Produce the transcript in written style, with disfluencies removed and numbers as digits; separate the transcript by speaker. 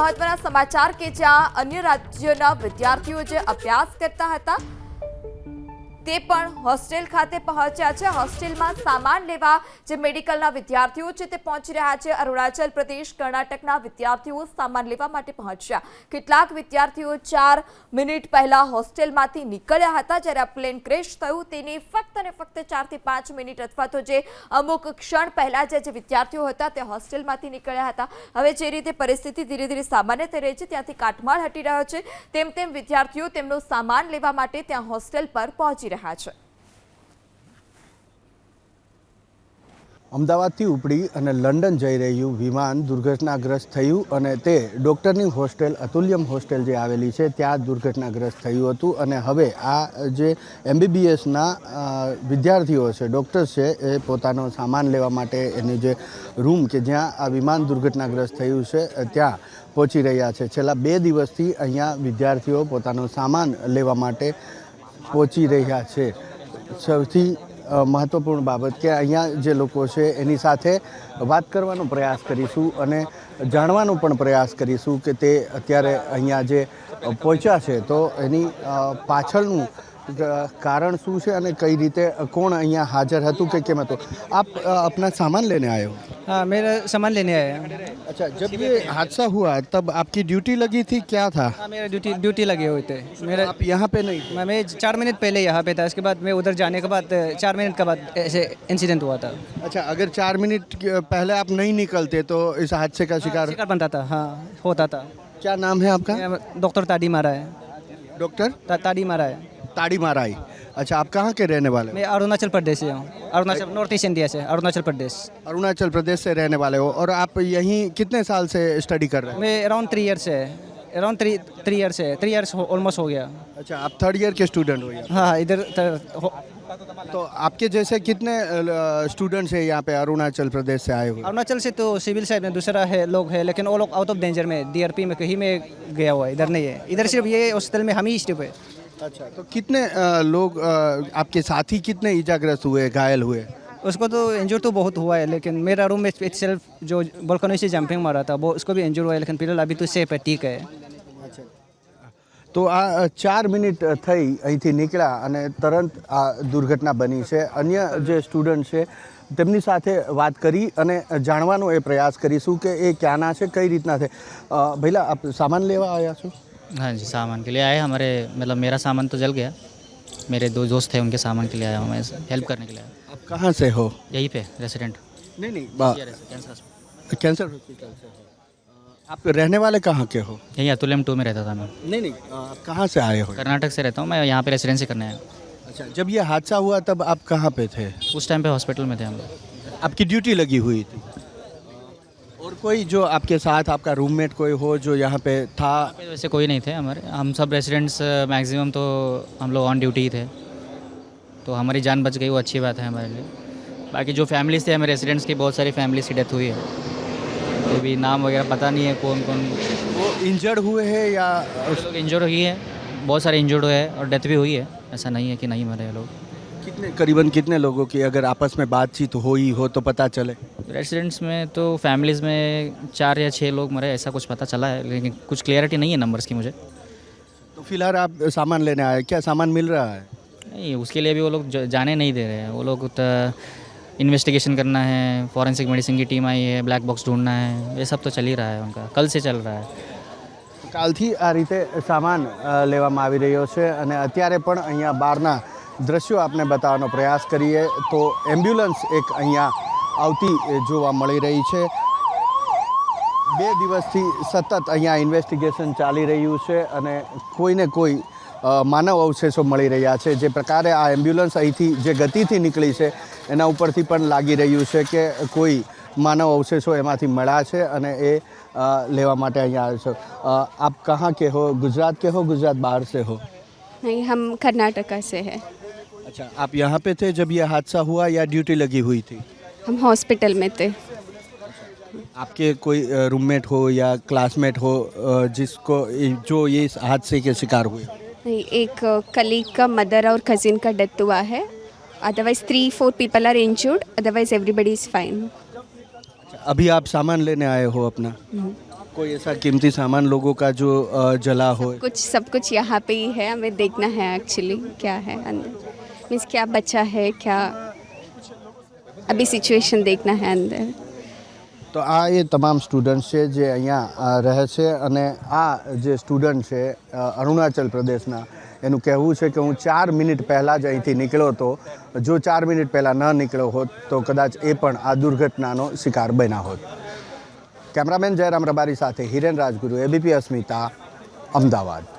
Speaker 1: મહત્વના સમાચાર કે જ્યાં અન્ય રાજ્યોના વિદ્યાર્થીઓ જે અભ્યાસ કરતા હતા તે પણ હોસ્ટેલ ખાતે પહોંચ્યા છે। હોસ્ટેલમાં સામાન લેવા જે મેડિકલના વિદ્યાર્થીઓ છે તે પહોંચી રહ્યા છે। અરુણાચલ પ્રદેશ કર્ણાટકના વિદ્યાર્થીઓ સામાન લેવા માટે પહોંચ્યા। કેટલાક વિદ્યાર્થીઓ 4 મિનિટ પહેલા હોસ્ટેલમાંથી નીકળ્યા હતા જ્યારે આ પ્લેન ક્રેશ થયું તેની ફક્ત અને ફક્ત 4 થી 5 મિનિટ અથવા તો જે અમુક ક્ષણ પહેલા જે વિદ્યાર્થીઓ હતા તે હોસ્ટેલમાંથી નીકળ્યા હતા। હવે જે રીતે પરિસ્થિતિ ધીરે ધીરે સામાન્ય થઈ રહી છે ત્યાંથી કાટમાળ હટી રહ્યો છે તેમ તેમ વિદ્યાર્થીઓ તેમનો સામાન લેવા માટે ત્યાં હોસ્ટેલ પર પહોંચી રહ્યા છે।
Speaker 2: અમદાવાદથી ઉપડી અને લંડન જઈ રહ્યું વિમાન દુર્ઘટનાગ્રસ્ત થયું અને તે ડૉક્ટરની હોસ્ટેલ અતુલ્યમ હોસ્ટેલ જે આવેલી છે ત્યાં દુર્ઘટનાગ્રસ્ત થયું હતું અને હવે આ જે MBBSના વિદ્યાર્થીઓ છે ડૉક્ટર્સ છે એ પોતાનો સામાન લેવા માટે એની જે રૂમ કે જ્યાં આ વિમાન દુર્ઘટનાગ્રસ્ત થયું છે ત્યાં પહોંચી રહ્યા છે। છેલ્લા 2 દિવસથી અહીંયા વિદ્યાર્થીઓ પોતાનો સામાન લેવા માટે પહોંચી રહ્યા છે। સૌથી મહત્વપૂર્ણ બાબત કે અહીંયા જે લોકો છે એની સાથે વાત કરવાનો પ્રયાસ કરીશું અને જાણવાનો પણ પ્રયાસ કરીશું કે તે અત્યારે અહીંયા જે પહોંચ્યા છે તો એની પાછળનું કારણ શું છે અને કઈ રીતે કોણ અહીંયા હાજર હતું કે કેમ હતું। आप अपना सामान लेने आए हो?
Speaker 3: हाँ, मेरा सामान लेने आया है।
Speaker 2: अच्छा, जब ये हादसा हुआ तब आपकी ड्यूटी लगी थी, क्या था?
Speaker 3: हाँ, मेरा ड्यूटी लगे हुए थे। मेरा
Speaker 2: आप यहाँ पे नहीं थे?
Speaker 3: मैं 4 मिनट पहले यहाँ पे था, उसके बाद मैं उधर जाने के बाद 4 मिनट के बाद ऐसे इंसिडेंट हुआ था।
Speaker 2: अच्छा, अगर 4 मिनट पहले आप नहीं निकलते तो इस हादसे का शिकार
Speaker 3: बनता था। हाँ, होता था।
Speaker 2: क्या नाम है आपका?
Speaker 3: डॉक्टर ताड़ी मारा है।
Speaker 2: डॉक्टर
Speaker 3: ताड़ी मारा है।
Speaker 2: ताड़ी माराई। अच्छा, आप कहाँ के रहने वाले हो?
Speaker 3: मैं अरुणाचल प्रदेश से हूँ। अरुणाचल नॉर्थ ईस्ट इंडिया से, अरुणाचल प्रदेश।
Speaker 2: अरुणाचल प्रदेश से रहने वाले हो और आप यहीं कितने साल से स्टडी कर रहे हैं?
Speaker 3: मैं अराउंड 3 ईयर से, अराउंड 3 ईयर से 3 ईयर्स ऑलमोस्ट हो गया।
Speaker 2: अच्छा, आप 3rd ईयर के स्टूडेंट हो यहाँ?
Speaker 3: हाँ, इधर
Speaker 2: तो आपके जैसे कितने स्टूडेंट्स हैं यहाँ पे अरुणाचल प्रदेश से आए हुए?
Speaker 3: अरुणाचल से तो सिविल साइड में दूसरा है लोग है, लेकिन वो लोग आउट ऑफ डेंजर में DRP में कहीं में गया हुआ है, इधर नहीं है। इधर सिर्फ ये हॉस्टल में हम ही स्टिप है।
Speaker 2: अच्छा, तो कितने लोग आपके साथी कितने इजाग्रस्त हुए, घायल हुए?
Speaker 3: उसको तो इंजर तो बहुत हुआ है, लेकिन मेरा रूम में सेल्फ जो बालकनी से जंपिंग मारा था वो उसको भी इंजर हुआ है, लेकिन फिलहाल अभी तो सेफ है, ठीक है।
Speaker 2: તો આ 4 મિનિટ થઈ અહીંથી નીકળ્યા અને તરત આ દુર્ઘટના બની છે। અન્ય જે સ્ટુડન્ટ છે તેમની સાથે વાત કરી અને જાણવાનો એ પ્રયાસ કરીશું કે એ ક્યાંના છે, કઈ રીતના છે। ભઈલા, આપ સામાન લેવા આવ્યા છો?
Speaker 4: हाँ जी, सामान के लिए आए हमारे, मतलब मेरा सामान तो जल गया, मेरे 2 दोस्त थे उनके सामान के लिए आया हूँ मैं, हेल्प करने के लिए आया।
Speaker 2: आप कहाँ से हो?
Speaker 4: यहीं पे रेसिडेंट।
Speaker 2: नहीं,
Speaker 4: कैंसर
Speaker 2: कैंसर हॉस्पिटल से हो। आप रहने वाले कहाँ के हो?
Speaker 4: यहीं अतुल्यम 2 में रहता था मैं।
Speaker 2: नहीं, आप कहाँ से आए हो?
Speaker 4: कर्नाटक से रहता हूँ मैं, यहाँ पे रेसिडेंसी करने आया।
Speaker 2: अच्छा, जब ये हादसा हुआ तब आप कहाँ पे थे?
Speaker 4: उस टाइम पे हॉस्पिटल में थे हम लोग।
Speaker 2: आपकी ड्यूटी लगी हुई थी और कोई जो आपके साथ आपका रूममेट कोई हो जो यहाँ पे था?
Speaker 4: वैसे कोई नहीं थे हमारे, हम सब रेसिडेंट्स मैक्सिमम तो हम लोग ऑन ड्यूटी ही थे, तो हमारी जान बच गई, वो अच्छी बात है हमारे लिए। बाकी जो फैमिलीज़ थे हमें रेसिडेंट्स की, बहुत सारी फैमिलीज़ की डेथ हुई है, तो भी नाम वगैरह पता नहीं है कौन कौन।
Speaker 2: वो इंजर्ड हुए हैं या
Speaker 4: लोग इंजर्ड हुई है, बहुत सारे इंजर्ड हुए हैं और डेथ भी हुई है, ऐसा नहीं है कि नहीं मरे लोग।
Speaker 2: करीबन कितने लोगों की अगर आपस में बातचीत हुई हो तो पता चले?
Speaker 4: रेसिडेंट्स में तो फैमिलीज़ में 4 या 6 लोग मरे, ऐसा कुछ पता चला है, लेकिन कुछ क्लियरिटी नहीं है नंबर्स की मुझे।
Speaker 2: तो फिलहाल आप सामान लेने आए, क्या सामान मिल रहा है?
Speaker 4: नहीं, उसके लिए भी वो लोग जाने नहीं दे रहे हैं। वो लोग इन्वेस्टिगेशन करना है, फॉरेंसिक मेडिसिन की टीम आई है, ब्लैक बॉक्स ढूंढना है, ये सब तो चल ही रहा है उनका, कल से चल रहा है।
Speaker 2: કાલથી આ રીતે સામાન લેવામાં આવી રહ્યો છે અને અત્યારે પણ અહીંયા બહારના દ્રશ્યો આપને બતાવવાનો પ્રયાસ કરીએ તો એમ્બ્યુલન્સ એક અહીંયા આવતી જોવા મળી રહી છે। 2 દિવસથી સતત અહીંયા ઇન્વેસ્ટિગેશન ચાલી રહ્યું છે અને કોઈને કોઈ માનવ અવશેષો મળી રહ્યા છે। જે પ્રકારે આ એમ્બ્યુલન્સ અહીંથી જે ગતિથી નીકળી છે એના ઉપરથી પણ લાગી રહ્યું છે કે કોઈ માનવ અવશેષો એમાંથી મળ્યા છે અને એ લેવા માટે અહીંયા આવ્યો છો। आप कहाँ के हो? गुजरात के हो, गुजरात बाहर से हो?
Speaker 5: नहीं, हम कर्नाटका से हैं।
Speaker 2: अच्छा, आप यहाँ पे थे जब ये हादसा हुआ या ड्यूटी लगी हुई थी?
Speaker 5: हम हॉस्पिटल में थे।
Speaker 2: आपके कोई रूममेट हो या क्लासमेट हो जिसको जो ये इस हादसे के शिकार हुए?
Speaker 5: नहीं, एक कलीग का मदर और कजिन का डेथ हुआ है, otherwise 3-4 people are injured, otherwise everybody is fine.
Speaker 2: अभी आप सामान लेने आए हो अपना? कोई ऐसा कीमती सामान लोगों का जो जला हो?
Speaker 5: सब कुछ यहाँ पे ही है, हमें देखना है एक्चुअली क्या है अंदर, मीन्स क्या बचा है, क्या अभी सिचुएशन देखना है अंदर।
Speaker 2: તો આ એ તમામ સ્ટુડન્ટ્સ છે જે અહીંયા રહે છે અને આ જે સ્ટુડન્ટ છે અરુણાચલ પ્રદેશના, એનું કહેવું છે કે હું 4 મિનિટ પહેલાં જ અહીંથી નીકળ્યો હતો, જો 4 મિનિટ પહેલાં ન નીકળ્યો હોત તો કદાચ એ પણ આ દુર્ઘટનાનો શિકાર બન્યા હોત. કેમેરામેન જયરામ રબારી સાથે હિરેન રાજગુરુ, એબીપી અસ્મિતા, અમદાવાદ.